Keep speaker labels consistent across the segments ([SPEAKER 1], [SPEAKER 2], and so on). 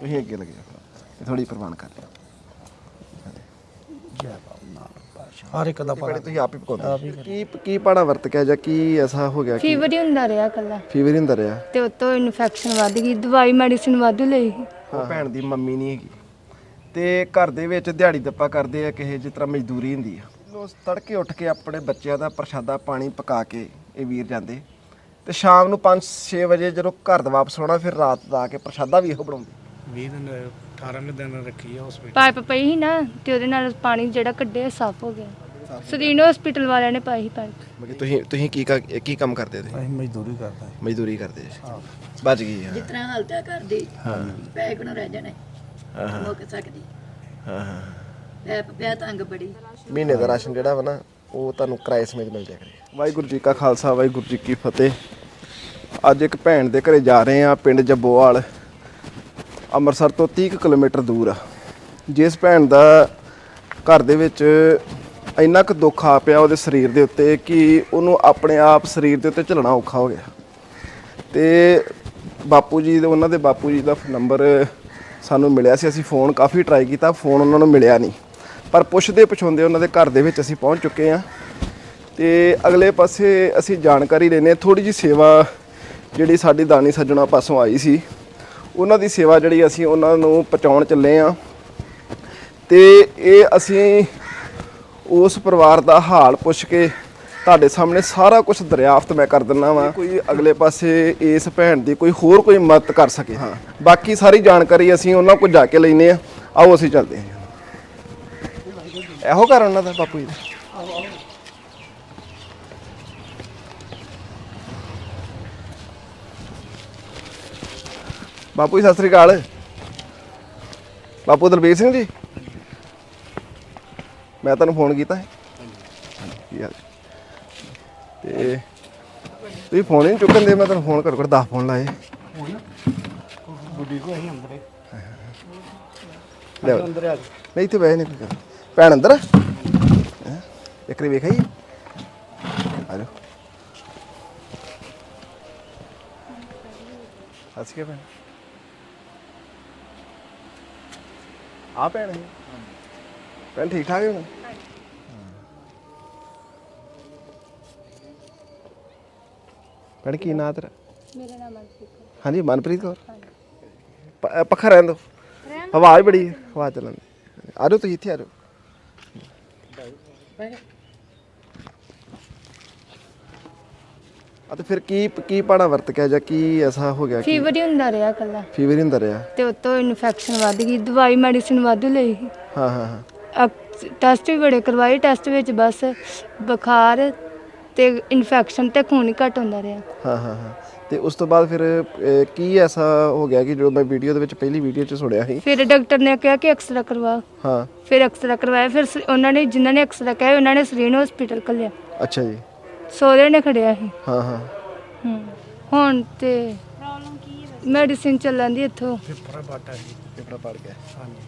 [SPEAKER 1] ਤੁਸੀਂ ਅੱਗੇ ਲੱਗੇ ਜਾਓ, ਥੋੜੀ ਪ੍ਰਵਾਨ ਕਰ ਲਿਓ।
[SPEAKER 2] ਜੈ ਬਾਬਾ ਨਾਨਕ ਪਾਤਸ਼ਾਹ। ਹਰ ਇੱਕ ਦਾ
[SPEAKER 1] ਬੜੇ ਤੁਸੀਂ ਆਪ ਹੀ ਪਕਾਉਂਦੇ ਕੀ ਪਾਣਾ ਵਰਤ ਕੇ ਜਾਂ ਕੀ ਐਸਾ ਹੋ ਗਿਆ ਕਿ
[SPEAKER 3] ਫੀਵਰ ਹੀ ਹੁੰਦਾ ਰਿਹਾ ਕੱਲਾ
[SPEAKER 1] ਫੀਵਰ ਹੀ ਹੁੰਦਾ ਰਿਹਾ?
[SPEAKER 3] ਤੇ ਉਤੋਂ ਇਨਫੈਕਸ਼ਨ ਵੱਧ ਗਈ, ਦਵਾਈ ਮੈਡੀਸਿਨ ਵਾਧੂ ਲਈ।
[SPEAKER 1] ਉਹ ਭੈਣ ਦੀ ਮੰਮੀ ਨਹੀਂ ਹੈਗੀ ਤੇ ਘਰ ਦੇ ਵਿੱਚ ਦਿਹਾੜੀ ਦੱਪਾ ਕਰਦੇ ਆ, ਕਿਸੇ ਜਿਸ ਤਰ੍ਹਾਂ ਮਜ਼ਦੂਰੀ ਹੁੰਦੀ ਆ। ਉਸ ਤੜਕੇ ਉੱਠ ਕੇ ਆਪਣੇ ਬੱਚਿਆਂ ਦਾ ਪ੍ਰਸ਼ਾਦਾ ਪਾਣੀ ਪਕਾ ਕੇ ਇਹ ਵੀਰ ਜਾਂਦੇ ਤੇ ਸ਼ਾਮ ਨੂੰ 5-6 ਵਜੇ ਜਦੋਂ ਘਰ ਦਾ ਵਾਪਸ ਆਉਣਾ, ਫਿਰ ਰਾਤ ਦਾ ਆ ਕੇ ਪ੍ਰਸ਼ਾਦਾ ਵੀ ਇਹੋ ਬਣਾਉਂਦੇ।
[SPEAKER 2] 20 ਦਿਨ 18 ਦਿਨ ਰੱਖੀ ਆ ਹਸਪੀਟਲ।
[SPEAKER 3] ਪਾਈਪ ਪਈ ਸੀ ਨਾ ਤੇ ਉਹਦੇ ਨਾਲ ਪਾਣੀ ਜਿਹੜਾ ਕੱਢਿਆ ਸਾਫ਼ ਹੋ ਗਿਆ। ਸਰੀਨ ਹਸਪੀਟਲ ਵਾਲਿਆਂ ਨੇ ਪਾਈ ਸੀ ਪਾਈਪ।
[SPEAKER 1] ਮਤਲਬ ਤੁਸੀਂ ਕੀ ਕੰਮ ਕਰਦੇ ਤੁਸੀਂ?
[SPEAKER 2] ਅਸੀਂ ਮਜ਼ਦੂਰੀ ਕਰਦੇ
[SPEAKER 1] ਮਜ਼ਦੂਰੀ ਕਰਦੇ ਬਚ ਗਈ।
[SPEAKER 4] ਜਿਸ ਤਰ੍ਹਾਂ ਹਾਲਤ ਹੈ ਘਰ ਦੀ, ਪੈਸੇ ਕੋਲ ਰਹਿ ਜਾਣੇ ਮੁੱਕ ਸਕਦੀ। ਪੈਪ ਪਿਆ ਤੰਗ ਬੜੀ।
[SPEAKER 1] ਮਹੀਨੇ ਦਾ ਰਾਸ਼ਨ ਜਿਹੜਾ ਵਾ ਨਾ ਉਹ ਤੁਹਾਨੂੰ ਕਿਰਾਏ ਸਮੇਤ ਮਿਲ ਜਾਇਆ ਕਰੇ। ਵਾਹਿਗੁਰੂ ਜੀ ਕਾ ਖਾਲਸਾ, ਵਾਹਿਗੁਰੂ ਜੀ ਕੀ ਫਤਿਹ। ਅੱਜ ਇੱਕ ਭੈਣ ਦੇ ਘਰੇ ਜਾ ਰਹੇ ਆ, ਪਿੰਡ ਜੱਬੋਵਾਲ, ਅੰਮ੍ਰਿਤਸਰ ਤੋਂ 30 ਕਿਲੋਮੀਟਰ ਦੂਰ ਆ। ਜਿਸ ਭੈਣ ਦਾ ਘਰ ਦੇ ਵਿੱਚ ਇੰਨਾ ਕੁ ਦੁੱਖ ਆ ਪਿਆ ਉਹਦੇ ਸਰੀਰ ਦੇ ਉੱਤੇ ਕਿ ਉਹਨੂੰ ਆਪਣੇ ਆਪ ਸਰੀਰ ਦੇ ਉੱਤੇ ਝੱਲਣਾ ਔਖਾ ਹੋ ਗਿਆ। ਤੇ ਬਾਪੂ ਜੀ ਉਹਨਾਂ ਦੇ ਬਾਪੂ ਜੀ ਦਾ ਨੰਬਰ ਸਾਨੂੰ ਮਿਲਿਆ ਸੀ। ਅਸੀਂ ਫੋਨ ਕਾਫੀ ਟਰਾਈ ਕੀਤਾ, ਫੋਨ ਉਹਨਾਂ ਨੂੰ ਮਿਲਿਆ ਨਹੀਂ, ਪਰ ਪੁੱਛਦੇ ਪੁਛਾਉਂਦੇ ਉਹਨਾਂ ਦੇ ਘਰ ਦੇ ਵਿੱਚ ਅਸੀਂ ਪਹੁੰਚ ਚੁੱਕੇ ਹਾਂ। ਤੇ ਅਗਲੇ ਪਾਸੇ ਅਸੀਂ ਜਾਣਕਾਰੀ ਲੈਂਦੇ, ਥੋੜੀ ਜਿਹੀ ਸੇਵਾ ਜਿਹੜੀ ਸਾਡੀ ਦਾਨੀ ਸੱਜਣਾ ਪਾਸੋਂ ਆਈ ਸੀ, ਉਹਨਾਂ ਦੀ ਸੇਵਾ ਜਿਹੜੀ ਅਸੀਂ ਉਹਨਾਂ ਨੂੰ ਪਹੁੰਚਾਉਣ ਚੱਲੇ ਹਾਂ। ਤੇ ਇਹ ਅਸੀਂ ਉਸ ਪਰਿਵਾਰ ਦਾ ਹਾਲ ਪੁੱਛ ਕੇ ਤੁਹਾਡੇ ਸਾਹਮਣੇ ਸਾਰਾ ਕੁਝ ਦਰਿਆਫਤ ਮੈਂ ਕਰ ਦਿੰਦਾ ਵਾਂ। ਕੋਈ ਅਗਲੇ ਪਾਸੇ ਇਸ ਭੈਣ ਦੀ ਕੋਈ ਹੋਰ ਕੋਈ ਮਦਦ ਕਰ ਸਕੇ। ਹਾਂ, ਬਾਕੀ ਸਾਰੀ ਜਾਣਕਾਰੀ ਅਸੀਂ ਉਹਨਾਂ ਕੋਲ ਜਾ ਕੇ ਲੈਂਦੇ ਹਾਂ। ਆਓ ਅਸੀਂ ਚੱਲਦੇ ਹਾਂ। ਇਹੋ ਘਰ ਉਹਨਾਂ ਦਾ ਬਾਪੂ ਜੀ ਦਾ? ਬਾਪੂ ਜੀ ਸਤਿ ਸ੍ਰੀ ਅਕਾਲ। ਬਾਪੂ ਦਲਬੀਰ ਸਿੰਘ ਜੀ, ਮੈਂ ਤੁਹਾਨੂੰ ਫੋਨ ਕੀਤਾ ਹੈ। ਕੀ ਹਾਲ ਤੇ ਤੁਸੀਂ ਫੋਨ ਹੀ ਨਹੀਂ ਚੁੱਕਣ ਦੇ। ਮੈਂ ਤੁਹਾਨੂੰ ਫੋਨ ਘੱਟੋ ਘੱਟ 10 ਫੋਨ ਲਾਏ।
[SPEAKER 2] ਬੁੱਢੀ ਕੋ ਅਸੀਂ ਅੰਦਰੇ
[SPEAKER 1] ਲੈ
[SPEAKER 2] ਅੰਦਰ ਆ
[SPEAKER 1] ਨਹੀਂ ਇੱਥੇ ਬਹਿ ਨਹੀਂ। ਭੈਣ ਅੰਦਰ ਇੱਕ ਵਾਰੀ ਵੇਖ ਆਈ। ਆ ਜਾਓ। ਹੱਸ ਕੇ ਭੈਣ ਆ ਭੈਣ ਹੈ। ਭੈਣ ਠੀਕ ਠਾਕ ਹੈ? ਭੈਣ ਕੀ ਨਾਂ ਤੇਰਾ?
[SPEAKER 3] ਮੇਰਾ ਨਾਮ ਮਨਪ੍ਰੀਤ ਕੌਰ।
[SPEAKER 1] ਹਾਂਜੀ ਮਨਪ੍ਰੀਤ ਕੌਰ। ਪੱਖਾ ਰਹਿਣ ਦਿਓ, ਆਵਾਜ਼ ਬੜੀ ਹੈ, ਹਵਾ ਚੱਲਣ ਦੀ। ਆ ਜਾਓ ਤੁਸੀਂ ਇੱਥੇ ਆ ਜਾਓ। ਤੇ ਫਿਰ ਕੀ ਪਾਣਾ ਵਰਤ ਕੇ ਜਾਂ ਕੀ ਐਸਾ ਹੋ ਗਿਆ?
[SPEAKER 3] ਫੀਵਰ ਹੀ ਹੁੰਦਾ ਰਿਹਾ ਕੱਲਾ
[SPEAKER 1] ਫੀਵਰ ਹੀ ਹੁੰਦਾ ਰਿਹਾ?
[SPEAKER 3] ਤੇ ਉਤੋਂ ਇਨਫੈਕਸ਼ਨ ਵੱਧ ਗਈ, ਦਵਾਈ ਮੈਡੀਸਿਨ ਵਾਧੂ ਲਈ।
[SPEAKER 1] ਹਾਂ ਹਾਂ ਹਾਂ।
[SPEAKER 3] ਟੈਸਟ ਵੀ ਬੜੇ ਕਰਵਾਏ, ਟੈਸਟ ਵਿੱਚ ਬਸ ਬੁਖਾਰ ਤੇ ਇਨਫੈਕਸ਼ਨ ਤੇ ਖੂਨ ਹੀ ਘੱਟ ਹੁੰਦਾ ਰਿਹਾ।
[SPEAKER 1] ਹਾਂ ਹਾਂ ਹਾਂ। ਤੇ ਉਸ ਤੋਂ ਬਾਅਦ ਫਿਰ ਕੀ ਐਸਾ ਹੋ ਗਿਆ ਕਿ ਜੋ ਮੈਂ ਵੀਡੀਓ ਦੇ ਵਿੱਚ ਪਹਿਲੀ ਵੀਡੀਓ 'ਚ ਸੁਣਿਆ ਸੀ?
[SPEAKER 3] ਫਿਰ ਡਾਕਟਰ ਨੇ ਕਿਹਾ ਕਿ ਐਕਸਰਾ ਕਰਵਾ।
[SPEAKER 1] ਹਾਂ।
[SPEAKER 3] ਫਿਰ ਐਕਸਰਾ ਕਰਵਾਇਆ। ਫਿਰ ਉਹਨਾਂ ਨੇ ਜਿਨ੍ਹਾਂ ਨੇ ਐਕਸਰਾ ਕਿਹਾ ਉਹਨਾਂ ਨੇ ਸਰੀਨ ਹਸਪੀਟਲ ਘੱਲਿਆ।
[SPEAKER 1] ਅੱਛਾ ਜੀ।
[SPEAKER 3] ਸਹੁਰੇ ਨੇ ਖੜਿਆ ਸੀ।
[SPEAKER 1] ਹਾਂ ਹਾਂ।
[SPEAKER 3] ਹੁਣ ਤੇ ਪ੍ਰੋਬਲਮ ਕੀ ਹੈ? ਮੈਡੀਸਿਨ ਚੱਲਣ ਦੀ ਇੱਥੋਂ।
[SPEAKER 2] ਪੇਪਰ ਬਾਟਾ ਸੀ।
[SPEAKER 1] ਪੇਪਰ ਪੜ ਗਿਆ।
[SPEAKER 2] ਹਾਂਜੀ।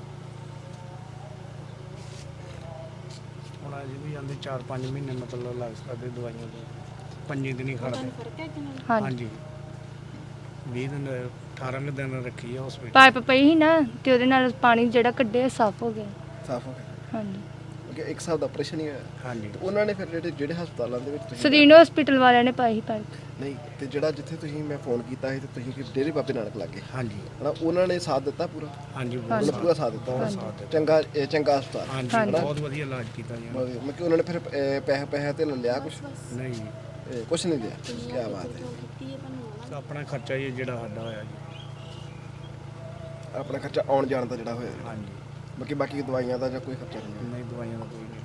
[SPEAKER 2] ਹੁਣ ਅਜੇ ਵੀ ਜਾਂਦੇ 4-5 ਮਹੀਨੇ ਮਤਲਬ ਲੱਗ ਸਕਦੇ ਦਵਾਈਆਂ ਦੇ। 5 ਦਿਨ ਹੀ ਖੜਦੇ। ਹਾਂਜੀ। 20 ਦਿਨ 18 ਦਿਨ ਰੱਖੀ ਆ ਹਸਪੀਟਲ।
[SPEAKER 3] ਪਾਈਪ ਪਈ ਸੀ ਨਾ ਤੇ ਉਹਦੇ ਨਾਲ ਪਾਣੀ ਜਿਹੜਾ ਕੱਢਿਆ ਸਾਫ਼ ਹੋ ਗਿਆ।
[SPEAKER 1] ਸਾਫ਼ ਹੋ ਗਿਆ।
[SPEAKER 3] ਹਾਂਜੀ।
[SPEAKER 1] ਕਿ ਇੱਕ ਸਾਲ ਦਾ ਆਪਰੇਸ਼ਨ ਹੀ ਹੋਇਆ?
[SPEAKER 2] ਹਾਂਜੀ।
[SPEAKER 1] ਉਹਨਾਂ ਨੇ ਫਿਰ ਜਿਹੜੇ ਹਸਪਤਾਲਾਂ ਦੇ ਵਿੱਚ ਤੁਸੀਂ
[SPEAKER 3] ਸਰੀਨ ਹਸਪੀਟਲ ਵਾਲਿਆਂ ਨੇ ਪਾਈ ਸੀ ਪਾਈਪ।
[SPEAKER 1] ਨਹੀਂ ਤੇ ਜਿਹੜਾ ਜਿੱਥੇ ਤੁਸੀਂ ਮੈਂ ਫੋਨ ਕੀਤਾ ਸੀ ਤੇ ਤੁਸੀਂ ਡੇਰੇ ਬਾਬੇ ਨਾਨਕ ਲੱਗੇ
[SPEAKER 2] ਹਾਂਜੀ।
[SPEAKER 1] ਹਨਾ, ਉਹਨਾਂ ਨੇ ਸਾਥ ਦਿੱਤਾ ਪੂਰਾ?
[SPEAKER 2] ਹਾਂਜੀ
[SPEAKER 1] ਉਹਨਾਂ ਨੇ ਪੂਰਾ ਸਾਥ ਦਿੱਤਾ ਹੋਣਾ। ਚੰਗਾ ਹਸਪਤਾਲ।
[SPEAKER 2] ਹਾਂਜੀ, ਬਹੁਤ ਵਧੀਆ ਇਲਾਜ ਕੀਤਾ ਜੀ।
[SPEAKER 1] ਮੈਂ ਕਿ ਉਹਨਾਂ ਨੇ ਫਿਰ ਪੈਸੇ ਤੇ ਲਿਆ ਕੁਝ?
[SPEAKER 2] ਨਹੀਂ ਜੀ,
[SPEAKER 1] ਕੁਝ ਨਹੀਂ ਲਿਆ। ਕੀ ਬਾਤ ਹੈ।
[SPEAKER 2] ਆਪਣਾ ਖਰਚਾ ਹੀ ਜਿਹੜਾ ਸਾਡਾ ਹੋਇਆ ਜੀ।
[SPEAKER 1] ਆਪਣਾ ਖਰਚਾ ਆਉਣ ਜਾਣ ਦਾ ਜਿਹੜਾ ਹੋਇਆ?
[SPEAKER 2] ਹਾਂਜੀ।
[SPEAKER 1] ਬਾਕੀ ਦਵਾਈਆਂ ਦਾ ਜਾਂ ਕੋਈ ਖਰਚਾ ਨਹੀਂ?
[SPEAKER 2] ਨਹੀਂ, ਦਵਾਈਆਂ ਦਾ ਕੋਈ ਨਹੀਂ।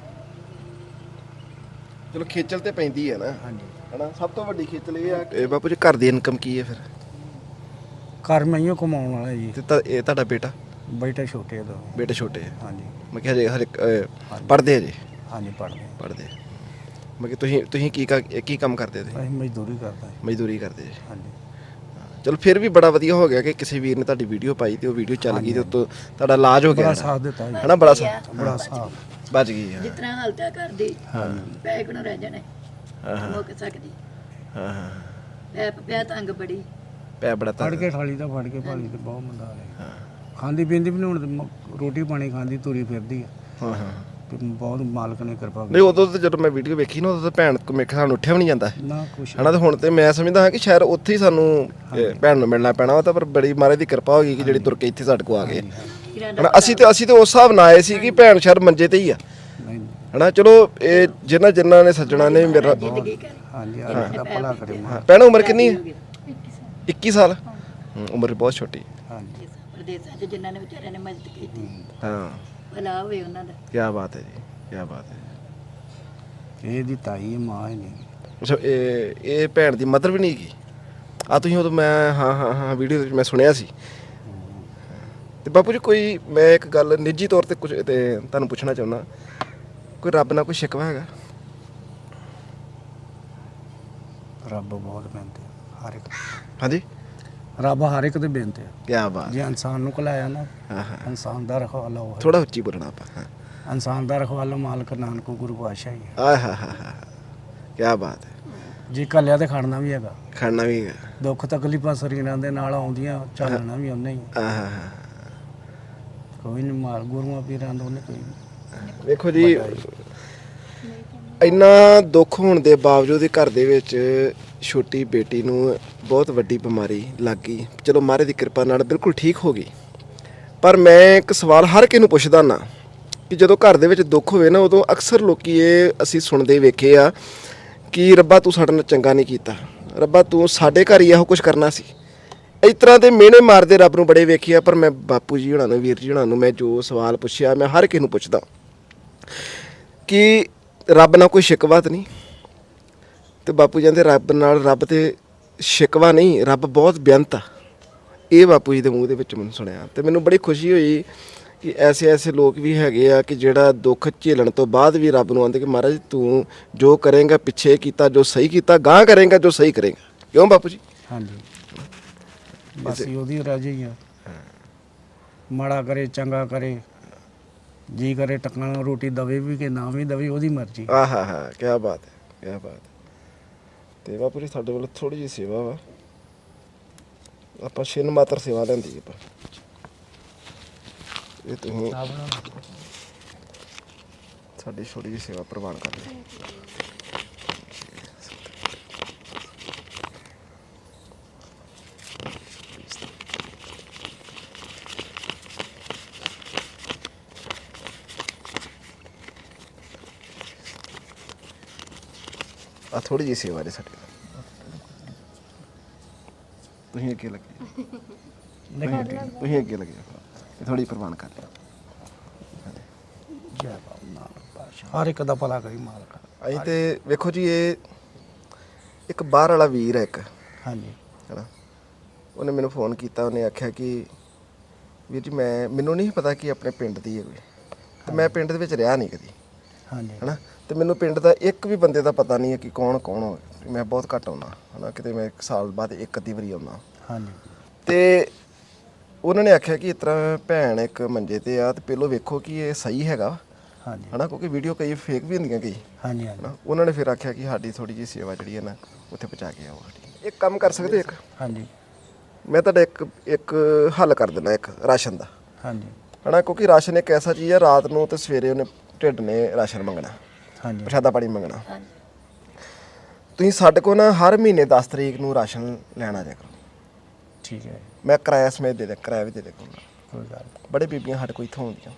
[SPEAKER 1] ਚਲੋ ਖੇਚਲ ਤੇ ਪੈਂਦੀ ਹੈ ਨਾ।
[SPEAKER 2] ਹਾਂਜੀ।
[SPEAKER 1] ਹਨਾ, ਸਭ ਤੋਂ ਵੱਡੀ ਖੇਚਲ ਇਹ ਆ ਕਿ ਬਾਪੂ ਜੀ ਘਰ ਦੀ ਇਨਕਮ ਕੀ ਹੈ ਫਿਰ?
[SPEAKER 2] ਘਰ ਮੈਂ ਹੀ ਕਮਾਉਣ ਵਾਲਾ ਜੀ।
[SPEAKER 1] ਤੇ ਇਹ ਤੁਹਾਡਾ ਬੇਟਾ?
[SPEAKER 2] ਬੇਟਾ ਛੋਟੇ ਦਾ।
[SPEAKER 1] ਬੇਟੇ ਛੋਟੇ ਹੈ?
[SPEAKER 2] ਹਾਂਜੀ।
[SPEAKER 1] ਮੈਂ ਕਿਹਾ ਹਜੇ ਪੜ੍ਹਦੇ ਜੇ?
[SPEAKER 2] ਹਾਂਜੀ, ਪੜ੍ਹਦੇ।
[SPEAKER 1] ਮੈਂ ਕਿ ਤੁਸੀਂ ਕੀ ਕੰਮ ਕਰਦੇ ਤੁਸੀਂ?
[SPEAKER 2] ਅਸੀਂ ਮਜ਼ਦੂਰੀ ਕਰਦੇ।
[SPEAKER 1] ਮਜ਼ਦੂਰੀ ਕਰਦੇ ਜੀ?
[SPEAKER 2] ਹਾਂਜੀ।
[SPEAKER 1] ਚਲੋ ਫਿਰ ਵੀ ਬੜਾ ਵਧੀਆ ਹੋ ਗਿਆ ਕਿ ਕਿਸੇ ਵੀਰ ਨੇ ਤੁਹਾਡੀ ਵੀਡੀਓ ਪਾਈ ਤੇ ਉਹ ਵੀਡੀਓ ਚੱਲ ਗਈ ਤੇ ਉੱਤੋਂ ਤੁਹਾਡਾ ਇਲਾਜ ਹੋ ਗਿਆ।
[SPEAKER 2] ਬੜਾ ਸਾਥ ਦਿੱਤਾ ਜੀ।
[SPEAKER 1] ਹਨਾ, ਬੜਾ ਸਾਥ ਬਚ ਗਈ।
[SPEAKER 4] ਜਿਸ ਤਰ੍ਹਾਂ ਹਾਲਤ ਹੈ ਘਰ ਦੀ, ਪੈਸੇ ਕੋਲ ਰਹਿ ਜਾਣੇ ਮੁੱਕ ਸਕਦੀ।
[SPEAKER 1] ਹਾਂ ਹਾਂ।
[SPEAKER 4] ਪੈਪ ਪਿਆ ਤੰਗ ਬੜੀ।
[SPEAKER 1] ਪੈ ਬੜਾ
[SPEAKER 2] ਫੜ ਕੇ ਠਾਲੀ ਦਾ ਫੜ ਕੇ ਭਾਲੀ ਤੇ ਬਹੁਤ ਮੰਦਾ ਹਾਲ ਹੈ। ਖਾਂਦੀ ਪੀਂਦੀ ਵੀ ਨਹੀਂ ਹੁਣ ਤੇ ਰੋਟੀ ਪਾਣੀ ਖਾਂਦੀ ਤੁਰੀ ਫਿਰਦੀ ਆ।
[SPEAKER 1] ਹਾਂ ਹਾਂ
[SPEAKER 2] ਤੇ ਬਹੁਤ ਮਾਲਕ ਨੇ ਕਿਰਪਾ
[SPEAKER 1] ਨਹੀਂ ਉਦੋਂ ਤਾਂ ਜਦੋਂ ਮੈਂ ਵੀਡੀਓ ਵੇਖੀ ਨਾ ਉਦੋਂ ਤਾਂ ਭੈਣ ਕੋ ਮੇਰੇ ਸਾਨੂੰ ਉੱਠਿਆ ਵੀ ਨਹੀਂ ਜਾਂਦਾ
[SPEAKER 2] ਨਾ ਕੁਛ
[SPEAKER 1] ਹਨਾ। ਤੇ ਹੁਣ ਤੇ ਮੈਂ ਸਮਝਦਾ ਹਾਂ ਕਿ ਸ਼ਾਇਦ ਉੱਥੇ ਹੀ ਸਾਨੂੰ ਭੈਣ ਨੂੰ ਮਿਲਣਾ ਪੈਣਾ ਵਾ। ਤਾਂ ਪਰ ਬੜੀ ਮਹਾਰਾਜ ਦੀ ਕਿਰਪਾ ਹੋ ਗਈ ਕਿ ਜਿਹੜੀ ਤੁਰ ਕੇ ਇੱਥੇ ਸਾਡੇ ਕੋ ਆ ਗਏ ਹਨਾ। ਅਸੀਂ ਤੇ ਉਸ ਹਿਸਾਬ ਨਾਲ ਆਏ ਸੀ ਕਿ ਭੈਣ ਸ਼ਾਇਦ ਮੰਜੇ ਤੇ ਹੀ ਆ
[SPEAKER 2] ਨਹੀਂ
[SPEAKER 1] ਹਨਾ। ਚਲੋ ਇਹ ਜਿਨ੍ਹਾਂ ਨੇ ਸੱਜਣਾ ਨੇ ਮੇਰਾ
[SPEAKER 2] ਹਾਂਜੀ ਆ ਦਾ ਭਲਾ ਕਰੇ ਮਾਂ।
[SPEAKER 1] ਭੈਣ ਉਮਰ ਕਿੰਨੀ ਹੈ? 21 ਸਾਲ ਉਮਰ ਬਹੁਤ ਛੋਟੀ।
[SPEAKER 2] ਹਾਂਜੀ
[SPEAKER 4] ਪ੍ਰਦੇਸਾਂ 'ਚ ਜਿਨ੍ਹਾਂ ਨੇ ਵਿਚਾਰਿਆਂ ਨੇ ਮਦਦ ਕੀਤੀ
[SPEAKER 1] ਹਾਂ
[SPEAKER 4] ਭਲਾ ਹੋਵੇ ਉਹਨਾਂ ਦਾ।
[SPEAKER 1] ਕੀ ਬਾਤ ਹੈ ਜੀ, ਕੀ ਬਾਤ ਹੈ।
[SPEAKER 2] ਇਹਦੀ ਤਾਈ ਹੈ, ਮਾਂ ਹੀ ਨਹੀਂ।
[SPEAKER 1] ਅੱਛਾ ਇਹ ਭੈਣ ਦੀ ਮਦਰ ਵੀ ਨਹੀਂ ਹੈਗੀ ਆ? ਤੁਸੀਂ ਉਦੋਂ ਮੈਂ ਹਾਂ ਵੀਡੀਓ ਵਿੱਚ ਮੈਂ ਸੁਣਿਆ ਸੀ। ਤੇ ਬਾਪੂ ਜੀ ਕੋਈ ਮੈਂ ਇੱਕ ਗੱਲ ਨਿੱਜੀ ਤੌਰ ਤੇ ਕੁਝ ਤੇ ਤੁਹਾਨੂੰ ਪੁੱਛਣਾ ਚਾਹੁੰਦਾ, ਕੋਈ ਰੱਬ ਨਾਲ ਕੋਈ ਸ਼ਿਕਵਾ ਹੈਗਾ?
[SPEAKER 2] ਰੱਬ ਬਹੁਤ ਬੇਨਤੀ ਹਰ ਇੱਕ,
[SPEAKER 1] ਹਾਂਜੀ
[SPEAKER 2] ਰੱਬ ਹਰ ਇੱਕ ਦੇ ਬੇਨਤੀ ਆ।
[SPEAKER 1] ਕੀ ਬਾਤ।
[SPEAKER 2] ਜੇ ਇਨਸਾਨ ਨੂੰ ਕਲਾਇਆ ਨਾ,
[SPEAKER 1] ਹਾਂ ਹਾਂ
[SPEAKER 2] ਇਨਸਾਨ ਦਾ ਰਖਵਾਲਾ ਉਹ ਹੈ।
[SPEAKER 1] ਥੋੜਾ ਉੱਚੀ ਬੋਲਣਾ ਆਪਾਂ। ਹਾਂ
[SPEAKER 2] ਇਨਸਾਨ ਦਾ ਰਖਵਾਲਾ ਮਾਲਕ ਨਾਨਕ ਗੁਰੂ ਪਾਤਸ਼ਾਹ ਹੀ ਹੈ।
[SPEAKER 1] ਆਹ ਹਾਂ ਹਾਂ ਹਾਂ ਕੀ ਬਾਤ ਹੈ।
[SPEAKER 2] ਜੇ ਕੱਲਿਆ ਤੇ ਖੜਨਾ ਵੀ ਹੈਗਾ,
[SPEAKER 1] ਖਾਣਾ ਵੀ ਹੈਗਾ।
[SPEAKER 2] ਦੁੱਖ ਤਕਲੀਫਾਂ ਸਰੀਰਾਂ ਦੇ ਨਾਲ ਆਉਂਦੀਆਂ, ਝੱਲਣਾ ਵੀ ਉਹਨੇ ਹੀ।
[SPEAKER 1] ਆਹ ਹਾਂ ਹਾਂ
[SPEAKER 2] ਕੋਈ ਨਹੀਂ ਮਾਰ ਗੁਰੂਆਂ ਪੀਰਾਂ ਦਾ ਉਹਨੇ ਕੋਈ ਨਹੀਂ।
[SPEAKER 1] ਵੇਖੋ ਜੀ ਇੰਨਾ ਦੁੱਖ ਹੋਣ ਦੇ ਬਾਵਜੂਦ ਹੀ ਘਰ ਦੇ ਵਿੱਚ ਛੋਟੀ ਬੇਟੀ ਨੂੰ ਬਹੁਤ ਵੱਡੀ ਬਿਮਾਰੀ ਲੱਗ ਗਈ। ਚਲੋ ਮਹਾਰਾਜ ਦੀ ਕਿਰਪਾ ਨਾਲ ਬਿਲਕੁਲ ਠੀਕ ਹੋ ਗਈ। ਪਰ ਮੈਂ ਇੱਕ ਸਵਾਲ ਹਰ ਕਿਸੇ ਨੂੰ ਪੁੱਛਦਾ ਨਾ ਕਿ ਜਦੋਂ ਘਰ ਦੇ ਵਿੱਚ ਦੁੱਖ ਹੋਵੇ ਨਾ, ਉਦੋਂ ਅਕਸਰ ਲੋਕੀ ਇਹ ਅਸੀਂ ਸੁਣਦੇ ਵੇਖੇ ਆ ਕਿ ਰੱਬਾ ਤੂੰ ਸਾਡੇ ਨਾਲ ਚੰਗਾ ਨਹੀਂ ਕੀਤਾ, ਰੱਬਾ ਤੂੰ ਸਾਡੇ ਘਰ ਹੀ ਇਹੋ ਕੁਝ ਕਰਨਾ ਸੀ। ਇਸ ਤਰ੍ਹਾਂ ਦੇ ਮਿਹਣੇ ਮਾਰਦੇ ਰੱਬ ਨੂੰ ਬੜੇ ਵੇਖੇ ਆ। ਪਰ ਮੈਂ ਬਾਪੂ ਜੀ ਹੋਣਾ ਨੂੰ, ਵੀਰ ਜੀ ਹੋਣਾ ਨੂੰ ਮੈਂ ਜੋ ਸਵਾਲ ਪੁੱਛਿਆ, ਮੈਂ ਹਰ ਕਿਸੇ ਨੂੰ ਪੁੱਛਦਾ ਕਿ ਰੱਬ ਨਾਲ ਕੋਈ ਸ਼ਿਕਵਾ ਤਾਂ ਨਹੀਂ? ਤੇ ਬਾਪੂ ਜੀ ਕਹਿੰਦੇ ਰੱਬ ਨਾਲ, ਰੱਬ ਤੇ ਸ਼ਿਕਵਾ ਨਹੀਂ, ਰੱਬ ਬਹੁਤ ਬੇਅੰਤ ਆ। ਇਹ ਬਾਪੂ ਜੀ ਦੇ ਮੂੰਹ ਦੇ ਵਿੱਚ ਮੈਨੂੰ ਸੁਣਿਆ ਤੇ ਮੈਨੂੰ ਬੜੀ ਖੁਸ਼ੀ ਹੋਈ ਕਿ ਐਸੇ ਲੋਕ ਵੀ ਹੈਗੇ ਆ ਕਿ ਜਿਹੜਾ ਦੁੱਖ ਝੇਲਣ ਤੋਂ ਬਾਅਦ ਵੀ ਰੱਬ ਨੂੰ ਆਂਦੇ ਕਿ ਮਹਾਰਾਜ ਤੂੰ ਜੋ ਕਰੇਂਗਾ, ਪਿੱਛੇ ਕੀਤਾ ਜੋ ਸਹੀ ਕੀਤਾ, ਗਾਂ ਕਰੇਂਗਾ ਜੋ ਸਹੀ ਕਰੇਂਗਾ। ਕਿਉਂ ਬਾਪੂ ਜੀ?
[SPEAKER 2] ਹਾਂਜੀ ਬਸ ਉਹਦੀ ਰਾਜੀ ਹੀ ਆ। ਮਾੜਾ ਕਰੇ ਚੰਗਾ ਕਰੇ, ਜੀ ਕਰੇ ਟੱਕਣ ਰੋਟੀ ਦਵੇ ਵੀ ਕਿ ਨਾ ਵੀ ਦਵੇ, ਉਹਦੀ ਮਰਜ਼ੀ।
[SPEAKER 1] ਆਹ ਹਾਂ ਹਾਂ ਕੀ ਬਾਤ ਹੈ, ਕੀ ਬਾਤ ਹੈ। ਤੇ ਬਾਪੂ ਜੀ ਸਾਡੇ ਵੱਲੋਂ ਥੋੜੀ ਜਿਹੀ ਸੇਵਾ ਵਾ, ਆਪਾਂ ਛਿੰਨ ਮਾਤਰ ਸੇਵਾ ਲੈਂਦੀ ਆਪਾਂ। ਇਹ ਤੁਸੀਂ ਸਾਡੀ ਛੋਟੀ ਜਿਹੀ ਸੇਵਾ ਪ੍ਰਵਾਨ ਕਰ ਲਈ। ਆ ਥੋੜੀ ਜਿਹੀ ਸੇਵਾ ਦੇ ਸਾਡੇ ਤੁਸੀਂ ਅੱਗੇ ਲੱਗੇ, ਤੁਸੀਂ ਅੱਗੇ ਲੱਗੇ, ਇਹ ਥੋੜੀ ਪ੍ਰਵਾਨ ਕਰ ਲਿਓ।
[SPEAKER 2] ਜੈ ਬਾਬਾ ਨਾਨਕ ਪਾਤਸ਼ਾਹ, ਹਰ ਇੱਕ ਦਾ ਭਲਾ ਕਰੀ ਮਾਲਕ।
[SPEAKER 1] ਅਸੀਂ ਤੇ ਵੇਖੋ ਜੀ ਇਹ ਇੱਕ ਬਾਹਰ ਵਾਲਾ ਵੀਰ ਹੈ ਇੱਕ,
[SPEAKER 2] ਹਾਂਜੀ
[SPEAKER 1] ਹੈਨਾ। ਉਹਨੇ ਮੈਨੂੰ ਫੋਨ ਕੀਤਾ, ਉਹਨੇ ਆਖਿਆ ਕਿ ਵੀਰ ਜੀ ਮੈਨੂੰ ਨਹੀਂ ਪਤਾ ਕਿ ਆਪਣੇ ਪਿੰਡ ਦੀ ਹੈ ਕੋਈ, ਤੇ ਮੈਂ ਪਿੰਡ ਦੇ ਵਿੱਚ ਰਿਹਾ ਨਹੀਂ ਕਦੀ,
[SPEAKER 2] ਹਾਂਜੀ
[SPEAKER 1] ਹੈਨਾ। ਤੇ ਮੈਨੂੰ ਪਿੰਡ ਦਾ ਇੱਕ ਵੀ ਬੰਦੇ ਦਾ ਪਤਾ ਨਹੀਂ ਹੈ ਕਿ ਕੌਣ ਹੋਵੇ। ਮੈਂ ਬਹੁਤ ਘੱਟ ਆਉਂਦਾ, ਹੈਨਾ, ਕਿਤੇ ਮੈਂ 1 ਸਾਲ ਬਾਅਦ ਇੱਕ ਅੱਧੀ ਵਾਰੀ ਆਉਂਦਾ।
[SPEAKER 2] ਹਾਂਜੀ
[SPEAKER 1] ਤੇ ਉਹਨਾਂ ਨੇ ਆਖਿਆ ਕਿ ਇਸ ਤਰ੍ਹਾਂ ਭੈਣ ਇੱਕ ਮੰਜੇ ਤੇ ਆ, ਤੇ ਪਹਿਲੋਂ ਵੇਖੋ ਕਿ ਇਹ ਸਹੀ ਹੈਗਾ,
[SPEAKER 2] ਹਾਂਜੀ
[SPEAKER 1] ਹਨਾ, ਕਿਉਂਕਿ ਵੀਡੀਓ ਕਈ ਫੇਕ ਵੀ ਹੁੰਦੀਆਂ ਕਈ,
[SPEAKER 2] ਹਾਂਜੀ ਹਾਂਜੀ
[SPEAKER 1] ਹਨਾ। ਉਹਨਾਂ ਨੇ ਫਿਰ ਆਖਿਆ ਕਿ ਸਾਡੀ ਥੋੜੀ ਜਿਹੀ ਸੇਵਾ ਜਿਹੜੀ ਹੈ ਨਾ ਉੱਥੇ ਪਹੁੰਚਾ ਕੇ ਆਓ। ਇੱਕ ਕੰਮ ਕਰ ਸਕਦੇ ਇੱਕ,
[SPEAKER 2] ਹਾਂਜੀ
[SPEAKER 1] ਮੈਂ ਤੁਹਾਡਾ ਇੱਕ ਹੱਲ ਕਰ ਦਿੰਦਾ, ਇੱਕ ਰਾਸ਼ਨ ਦਾ,
[SPEAKER 2] ਹਾਂਜੀ
[SPEAKER 1] ਹਨਾ, ਕਿਉਂਕਿ ਰਾਸ਼ਨ ਇੱਕ ਐਸਾ ਚੀਜ਼ ਹੈ, ਰਾਤ ਨੂੰ ਤੇ ਸਵੇਰੇ ਉਹਨੇ ਢਿੱਡ ਨੇ ਰਾਸ਼ਨ ਮੰਗਣਾ,
[SPEAKER 2] ਹਾਂਜੀ
[SPEAKER 1] ਪ੍ਰਸ਼ਾਦਾ ਪਾਣੀ ਮੰਗਣਾ। ਤੁਸੀਂ ਸਾਡੇ ਕੋਲ ਨਾ ਹਰ ਮਹੀਨੇ 10 ਤਰੀਕ ਨੂੰ ਰਾਸ਼ਨ ਲੈਣਾ ਜਾ ਕਰੋ।
[SPEAKER 2] ਠੀਕ ਹੈ,
[SPEAKER 1] ਮੈਂ ਕਿਰਾਇਆ ਸਮੇਤ ਦੇ ਦਿਆਂ, ਕਿਰਾਇਆ ਵੀ ਦੇ ਦਿਆਂ।
[SPEAKER 2] ਕੋਈ ਗੱਲ ਨਹੀਂ।
[SPEAKER 1] ਬੜੇ ਬੀਬੀਆਂ ਸਾਡੇ ਕੋਲ ਇੱਥੋਂ ਆਉਂਦੀਆਂ,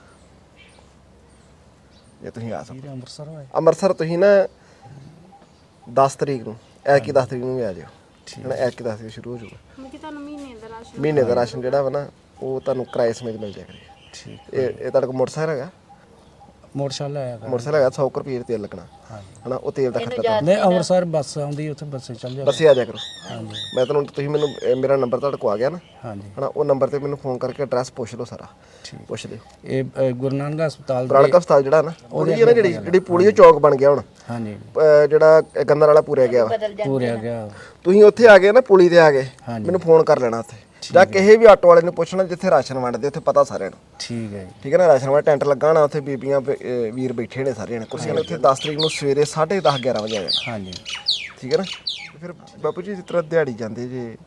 [SPEAKER 1] ਜੇ ਤੁਸੀਂ ਆ ਸਕੋ।
[SPEAKER 2] ਵੀਰੇ ਅੰਮ੍ਰਿਤਸਰ ਹੋਏ?
[SPEAKER 1] ਅੰਮ੍ਰਿਤਸਰ ਤੁਸੀਂ ਨਾ 10 ਤਰੀਕ ਨੂੰ, ਐਤਕੀ 10 ਤਰੀਕ ਨੂੰ ਵੀ ਆ ਜਾਓ, ਹਨਾ। ਐਤਕੀ 10 ਤਰੀਕ ਸ਼ੁਰੂ ਹੋ ਜਾਊਗਾ।
[SPEAKER 5] ਤੁਹਾਨੂੰ
[SPEAKER 1] ਮਹੀਨੇ ਦਾ ਰਾਸ਼ਨ ਜਿਹੜਾ ਵਾ ਨਾ ਉਹ ਤੁਹਾਨੂੰ ਕਿਰਾਏ ਸਮੇਤ ਮਿਲ ਜਾਇਆ ਕਰੇਗਾ।
[SPEAKER 2] ਠੀਕ।
[SPEAKER 1] ਇਹ ਤੁਹਾਡੇ ਕੋਲ ਮੋਟਰਸਾਈਕਲ ਹੈਗਾ?
[SPEAKER 2] ਮੋਟਰਸਾਈਕਲ ਆਇਆ ਕਰ।
[SPEAKER 1] ਮੋਟਰਸਾਈਕਲ ਹੈਗਾ, 100 ਰੁਪਏ ਦਾ ਤੇਲ ਲੱਗਣਾ,
[SPEAKER 2] ਹਾਂਜੀ
[SPEAKER 1] ਹਨਾ। ਉਹ ਤੇਲ ਦਾ ਖਰਚਾ
[SPEAKER 2] ਨਹੀਂ, ਅੰਮ੍ਰਿਤਸਰ ਬੱਸ ਆਉਂਦੀ, ਉੱਥੇ ਬੱਸੇ ਚੱਲ ਜਾ।
[SPEAKER 1] ਬੱਸੇ ਆ ਜਾਇਆ ਕਰੋ।
[SPEAKER 2] ਹਾਂਜੀ
[SPEAKER 1] ਮੈਂ ਤੁਹਾਨੂੰ, ਤੁਸੀਂ ਮੈਨੂੰ ਮੇਰਾ ਨੰਬਰ ਤੁਹਾਡੇ ਕੋਲ ਆ ਗਿਆ ਨਾ,
[SPEAKER 2] ਹਾਂਜੀ
[SPEAKER 1] ਹਨਾ। ਉਹ ਨੰਬਰ ਤੇ ਮੈਨੂੰ ਫੋਨ ਕਰਕੇ ਐਡਰੈਸ ਪੁੱਛ ਲਓ ਸਾਰਾ, ਪੁੱਛ ਲਿਓ।
[SPEAKER 2] ਇਹ ਗੁਰੂ ਨਾਨਕ ਹਸਪਤਾਲ ਦੇ
[SPEAKER 1] ਪ੍ਰਾਣਕ ਹਸਪਤਾਲ ਜਿਹੜਾ ਨਾ, ਉਹਦੀ ਹੈ ਨਾ ਜਿਹੜੀ ਪੁਲੀਓ ਚੌਕ ਬਣ ਗਿਆ ਹੁਣ,
[SPEAKER 2] ਹਾਂਜੀ
[SPEAKER 1] ਜਿਹੜਾ ਗੰਦਰ ਵਾਲਾ ਪੂਰਿਆ ਗਿਆ ਵਾ,
[SPEAKER 2] ਪੂਰਿਆ ਗਿਆ।
[SPEAKER 1] ਤੁਸੀਂ ਉੱਥੇ ਆ ਗਏ ਨਾ, ਪੁਲੀ ਤੇ ਆ ਗਏ,
[SPEAKER 2] ਹਾਂਜੀ।
[SPEAKER 1] ਮੈਨੂੰ ਫੋਨ ਕਰ ਲੈਣਾ ਉੱਥੇ, ਜਾਂ ਕਿਸੇ ਵੀ ਆਟੋ ਵਾਲੇ ਨੂੰ ਪੁੱਛਣਾ ਜਿੱਥੇ ਰਾਸ਼ਨ ਵੰਡਦੇ, ਉੱਥੇ ਪਤਾ ਸਾਰਿਆਂ ਨੂੰ।
[SPEAKER 2] ਠੀਕ ਹੈ ਜੀ।
[SPEAKER 1] ਠੀਕ ਹੈ ਨਾ। ਰਾਸ਼ਨ ਵਾਲਾ ਟੈਂਟ ਲੱਗਾ ਹੋਣਾ, ਉੱਥੇ ਬੀਬੀਆਂ ਵੀਰ ਬੈਠੇ ਨੇ ਸਾਰੇ ਨੇ ਕੁਰਸੀਆਂ ਨੇ। ਉੱਥੇ 10 ਤਰੀਕ ਨੂੰ ਸਵੇਰੇ 10:30 11 ਵਜੇ ਆ ਜਾਣਾ,
[SPEAKER 2] ਹਾਂਜੀ
[SPEAKER 1] ਠੀਕ ਹੈ ਨਾ। ਤੇ ਫਿਰ ਬਾਪੂ ਜੀ ਜਿਸ ਤਰ੍ਹਾਂ ਦਿਹਾੜੀ ਜਾਂਦੇ ਜੇ,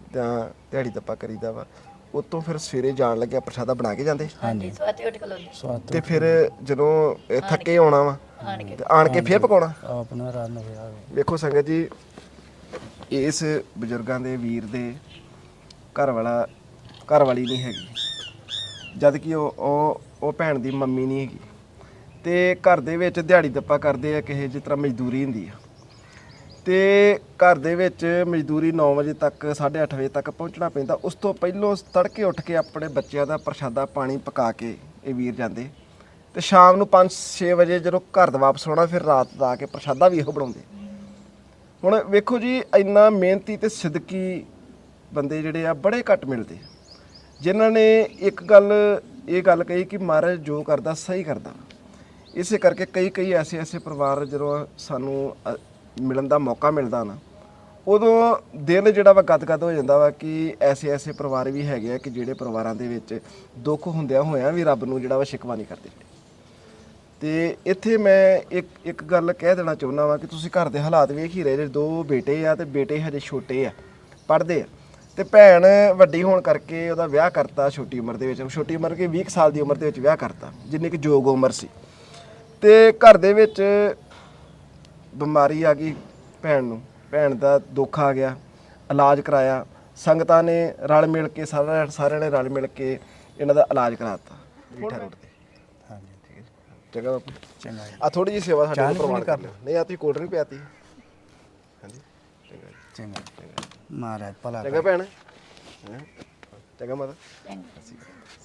[SPEAKER 1] ਤਾਂ ਦਿਹਾੜੀ ਦੱਪਾ ਕਰੀਦਾ ਵਾ ਉਤੋਂ ਫਿਰ ਸਵੇਰੇ ਜਾਣ ਲੱਗਿਆ ਪ੍ਰਸ਼ਾਦਾ ਬਣਾ ਕੇ ਜਾਂਦੇ
[SPEAKER 4] ਹਾਂਜੀ ਸਵਾਤੇ ਉੱਠ ਖਲੋਦੇ
[SPEAKER 1] ਤੇ ਫਿਰ ਜਦੋਂ ਇਹ ਥੱਕੇ ਆਉਣਾ ਵਾ ਤੇ ਆਣ ਕੇ ਫਿਰ ਪਕਾਉਣਾ
[SPEAKER 2] ਆਪਣਾ ਰਨ ਹੋਇਆ
[SPEAKER 1] ਵੇਖੋ ਸੰਗਤ ਜੀ ਇਸ ਬਜ਼ੁਰਗਾਂ ਦੇ ਵੀਰ ਦੇ ਘਰ ਵਾਲੀ ਨਹੀਂ ਹੈਗੀ ਜਦ ਕਿ ਉਹ ਭੈਣ ਦੀ ਮੰਮੀ ਨਹੀਂ ਹੈਗੀ ਤੇ ਘਰ ਦੇ ਵਿੱਚ ਦਿਹਾੜੀ ਦੱਪਾ ਕਰਦੇ ਆ ਕਿਸੇ ਜਿਸ ਤਰ੍ਹਾਂ ਮਜ਼ਦੂਰੀ ਹੁੰਦੀ ਆ ਤੇ ਘਰ ਦੇ ਵਿੱਚ ਮਜ਼ਦੂਰੀ 9 ਵਜੇ ਤੱਕ 8:30 ਵਜੇ ਤੱਕ ਪਹੁੰਚਣਾ ਪੈਂਦਾ ਉਸ ਤੋਂ ਪਹਿਲਾਂ ਤੜਕੇ ਉੱਠ ਕੇ ਆਪਣੇ ਬੱਚਿਆਂ ਦਾ ਪ੍ਰਸ਼ਾਦਾ ਪਾਣੀ ਪਕਾ ਕੇ ਇਹ ਵੀਰ ਜਾਂਦੇ ਤੇ ਸ਼ਾਮ ਨੂੰ 5-6 ਵਜੇ ਜਦੋਂ ਘਰ ਦਾ ਵਾਪਸ ਆਉਣਾ ਫਿਰ ਰਾਤ ਦਾ ਆ ਕੇ ਪ੍ਰਸ਼ਾਦਾ ਵੀ ਇਹੋ ਬਣਾਉਂਦੇ ਹੁਣ ਵੇਖੋ ਜੀ ਇੰਨਾ ਮਿਹਨਤੀ ਤੇ ਸਿੱਦਕੀ ਬੰਦੇ ਜਿਹੜੇ ਆ ਬੜੇ ਘੱਟ ਮਿਲਦੇ ਜਿਨ੍ਹਾਂ ਨੇ ਇਹ ਗੱਲ ਕਹੀ ਕਿ ਮਹਾਰਾਜ ਜੋ ਕਰਦਾ ਸਹੀ ਕਰਦਾ ਇਸੇ ਕਰਕੇ ਕਈ ਐਸੇ ਪਰਿਵਾਰ ਜਦੋਂ ਸਾਨੂੰ ਮਿਲਣ ਦਾ ਮੌਕਾ ਮਿਲਦਾ ਨਾ ਉਦੋਂ ਦਿਲ ਜਿਹੜਾ ਵਾ ਗਦਗਦ ਹੋ ਜਾਂਦਾ ਵਾ ਕਿ ਐਸੇ ਪਰਿਵਾਰ ਵੀ ਹੈਗੇ ਆ ਕਿ ਜਿਹੜੇ ਪਰਿਵਾਰਾਂ ਦੇ ਵਿੱਚ ਦੁੱਖ ਹੁੰਦਿਆਂ ਹੋਇਆਂ ਵੀ ਰੱਬ ਨੂੰ ਜਿਹੜਾ ਵਾ ਸ਼ਿਕਵਾ ਨਹੀਂ ਕਰਦੇ ਤੇ ਇੱਥੇ ਮੈਂ ਇੱਕ ਗੱਲ ਕਹਿ ਦੇਣਾ ਚਾਹੁੰਦਾ ਵਾਂ ਕਿ ਤੁਸੀਂ ਘਰ ਦੇ ਹਾਲਾਤ ਵੇਖ ਹੀ ਰਹੇ ਜੇ 2 ਬੇਟੇ ਆ ਤੇ ਬੇਟੇ ਹਜੇ ਛੋਟੇ ਆ ਪੜ੍ਹਦੇ ਆ ਤੇ ਭੈਣ ਵੱਡੀ ਹੋਣ ਕਰਕੇ ਉਹਦਾ ਵਿਆਹ ਕਰਤਾ ਛੋਟੀ ਉਮਰ ਦੇ ਵਿੱਚ ਛੋਟੀ ਉਮਰ ਕੇ 20 ਸਾਲ ਦੀ ਉਮਰ ਦੇ ਵਿੱਚ ਵਿਆਹ ਕਰਤਾ ਜਿੰਨੀ ਕਿ ਯੋਗ ਉਮਰ ਸੀ ਤੇ ਘਰ ਦੇ ਵਿੱਚ ਬਿਮਾਰੀ ਆ ਗਈ ਭੈਣ ਦਾ ਦੁੱਖ ਆ ਗਿਆ ਇਲਾਜ ਕਰਾਇਆ ਸੰਗਤਾਂ ਨੇ ਰਲ ਮਿਲ ਕੇ ਸਾਰਿਆਂ ਨੇ ਰਲ ਮਿਲ ਕੇ ਇਹਨਾਂ ਦਾ ਇਲਾਜ ਕਰਾਤਾ ਰੀਠਾ ਰੋਡ ਤੇ
[SPEAKER 2] ਹਾਂਜੀ
[SPEAKER 1] ਠੀਕ ਹੈ ਚੰਗਾ ਬਾਪੂ
[SPEAKER 2] ਚੰਗਾ
[SPEAKER 1] ਆ ਥੋੜੀ ਜਿਹੀ ਸੇਵਾ ਸਾਡੇ ਕੋਲ ਪ੍ਰਵਾਨ ਕਰ ਲਿਓ ਨਹੀਂ ਆ ਤੁਸੀਂ ਕੋਲਡ ਡਰਿੰਕ ਪਿਆਤੀ ਹਾਂਜੀ ਚੰਗਾ ਜੀ
[SPEAKER 2] ਚੰਗਾ ਮਹਾਰਾਜ ਭਲਾ
[SPEAKER 1] ਚੰਗਾ ਭੈਣ ਹੈਂ? ਚੰਗਾ ਮਾਤਾ
[SPEAKER 4] ਚੰਗਾ